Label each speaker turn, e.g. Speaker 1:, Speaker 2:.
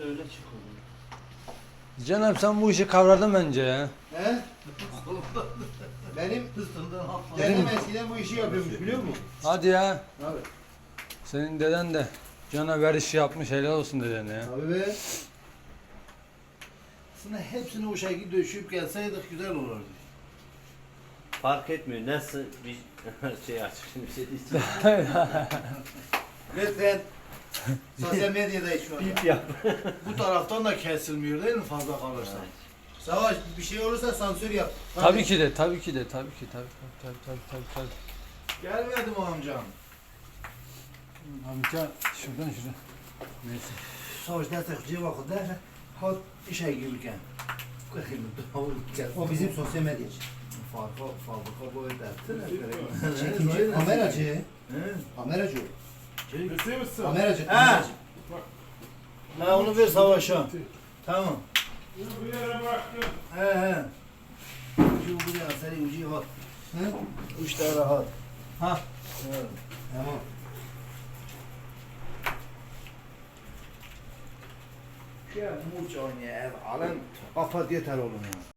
Speaker 1: öyle çıkıyor.
Speaker 2: Cenab sen bu işi kavradın bence ya.
Speaker 3: He? Benim dedem eskiden bu işi yapıyormuş biliyor musun?
Speaker 2: Hadi ya.
Speaker 3: Abi.
Speaker 2: Senin deden de canavar işi yapmış, helal olsun dedene ya.
Speaker 3: Abi be.
Speaker 1: Aslında hepsini o şekilde döşüp gelseydik güzel olurdu.
Speaker 4: Fark etmiyor. Nasıl bir şey açık şimdi bir şey diyeceğim.
Speaker 3: Lütfen. Sosyal medyadayız şu anda.
Speaker 4: Bip yap.
Speaker 1: Bu taraftan da kesilmiyor değil mi fazla kalırsa?
Speaker 3: Savaş bir şey olursa sansür yap.
Speaker 2: Tabii ki de, tabii ki de, tabii ki, tabii.
Speaker 1: Gelmedi mi amcam?
Speaker 2: Amca şuradan. Neyse.
Speaker 1: Savaş derse kutuya bakın derse hat işe girken.
Speaker 3: O bizim sosyal medyacı.
Speaker 1: Fabrika boyu dertti
Speaker 3: Çekici, kameracı.
Speaker 1: He?
Speaker 3: Kameracı.
Speaker 1: He?
Speaker 3: Kameracı.
Speaker 1: Ha onu ver savaşa. Tamam. He. Ucu buraya seni ucu hat.
Speaker 3: He?
Speaker 1: Uçta rahat.
Speaker 3: Ha.
Speaker 1: Evet.
Speaker 3: Tamam.
Speaker 1: Ya muç oynaya ev alın. Kapat yeter oğlum ya.